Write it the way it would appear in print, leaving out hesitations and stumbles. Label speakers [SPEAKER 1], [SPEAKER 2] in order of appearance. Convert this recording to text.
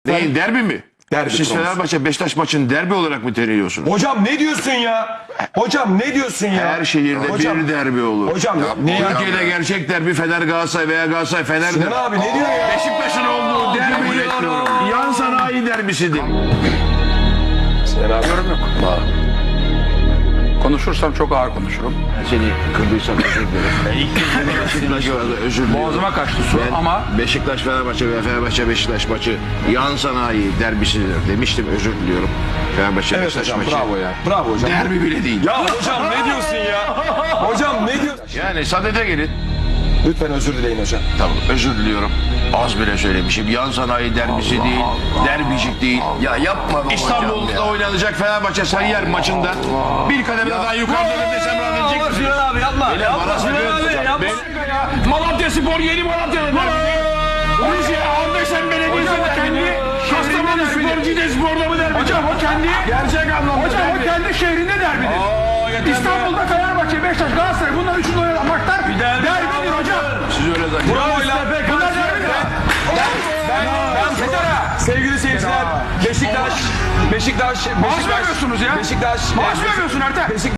[SPEAKER 1] Neyin derbi mi?
[SPEAKER 2] Derbi
[SPEAKER 1] Siz
[SPEAKER 2] konusu.
[SPEAKER 1] Fenerbahçe Beşiktaş maçını derbi olarak mı terliyorsunuz?
[SPEAKER 2] Hocam ne diyorsun ya? Hocam ne diyorsun ya?
[SPEAKER 1] Her şehirde
[SPEAKER 2] Hocam,
[SPEAKER 1] bir derbi olur.
[SPEAKER 2] Hocam ne ya?
[SPEAKER 1] Türkiye'de gerçek derbi Fener Galatasaray veya Galatasaray Fener'dir.
[SPEAKER 2] Sinan abi ne diyor ya?
[SPEAKER 1] Beşiktaş'ın olduğu derbi yan sanayi derbisidir.
[SPEAKER 2] Sinan abi.
[SPEAKER 3] Yorum yok. Konuşursam çok ağır konuşurum.
[SPEAKER 1] Seni kırdıysam özür dilerim. Beşiktaş özür dilerim.
[SPEAKER 3] Boğazıma kaçtı su
[SPEAKER 1] Ben
[SPEAKER 3] ama
[SPEAKER 1] Beşiktaş Fenerbahçe ve Fenerbahçe Beşiktaş maçı yan sanayi derbisidir demiştim, özür diliyorum. Fenerbahçe
[SPEAKER 2] Evet
[SPEAKER 1] Beşiktaş
[SPEAKER 2] hocam
[SPEAKER 1] maçı.
[SPEAKER 2] bravo ya. Bravo hocam.
[SPEAKER 1] Derbi bile değil.
[SPEAKER 2] Ya hocam ne diyorsun ya? Hocam ne diyorsun?
[SPEAKER 1] Yani sadede gelin.
[SPEAKER 2] Lütfen özür dileyin hocam.
[SPEAKER 1] Tamam, özür diliyorum. Az bile söylemişim. Yan sanayi derbisi değil, derbicik değil.
[SPEAKER 4] Ya yapma be hocam
[SPEAKER 1] İstanbul'da
[SPEAKER 4] ya.
[SPEAKER 1] oynanacak Fenerbahçe Sarıyer maçında bir kademe daha yukarıda desem rahatlayacak mısın?
[SPEAKER 4] Sinan abi yapma.
[SPEAKER 1] Yapma
[SPEAKER 4] Sinan abi yapma.
[SPEAKER 1] Malatya Spor yeni Malatya'da derbi. Rize Andeşen Belediyesi'nde kendi Kastamonu Spor Cide Spor'da mı derbi?
[SPEAKER 5] Hocam o kendi
[SPEAKER 1] Gerçek anlamda
[SPEAKER 5] hocam o
[SPEAKER 1] derbi.
[SPEAKER 5] kendi şehrinde derbidir. İstanbul'da Fenerbahçe, Beşiktaş, Galatasaray bunlar üçünü oynayan maçlar derbidir hocam.
[SPEAKER 1] Siz öyle zannediyorsunuz.
[SPEAKER 2] Bravo lan.
[SPEAKER 5] Bunlar derbidir.
[SPEAKER 2] Sevgili seyirciler, Beşiktaş,
[SPEAKER 5] Maaş vermiyorsunuz ya.
[SPEAKER 2] Beşiktaş,
[SPEAKER 5] Maaş vermiyorsun Ertem.